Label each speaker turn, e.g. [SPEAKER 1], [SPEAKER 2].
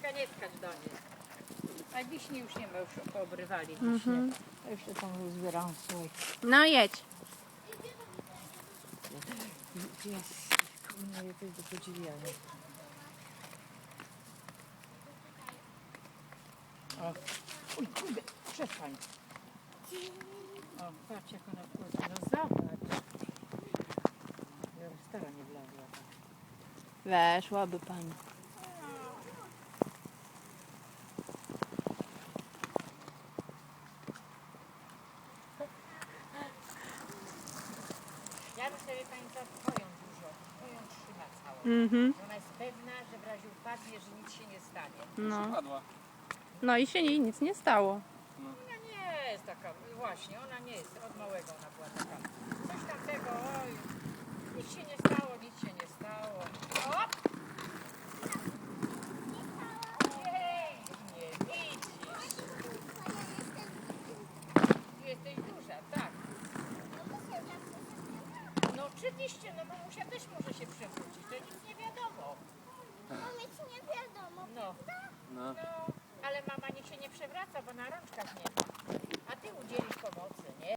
[SPEAKER 1] Kaśka, nie skacz do niej. A wiśni już nie ma, już poobrywali wiśnie. Ja jeszcze tam zbieram swój.
[SPEAKER 2] No jedź.
[SPEAKER 1] Jest, kurwa, to jest do podziwiania. O, uj, kurde, przestań. O, patrz jak ona wchodzi, no zobacz. Ja stara nie wlazła tak.
[SPEAKER 2] Weszłaby pani.
[SPEAKER 1] Ja bym sobie pani co twoją dużo, twoją trzyma całą.
[SPEAKER 2] Mhm.
[SPEAKER 1] Ona jest pewna, że w razie upadnie, że nic się nie stanie.
[SPEAKER 2] No.
[SPEAKER 3] Padła.
[SPEAKER 2] No i się jej nic nie stało.
[SPEAKER 1] Ona nie jest taka, właśnie, ona nie jest, od małego ona była taka. Coś tamtego, oj, nic się nie stało, nic się nie stało. Op! Pięknie, widzisz. Jesteś duża, tak. No oczywiście, no mamusia też może się przewrócić, to nic nie wiadomo. No,
[SPEAKER 3] No.
[SPEAKER 1] no, ale mama niech się nie przewraca, bo na rączkach nie ma. A ty udzielisz pomocy, nie?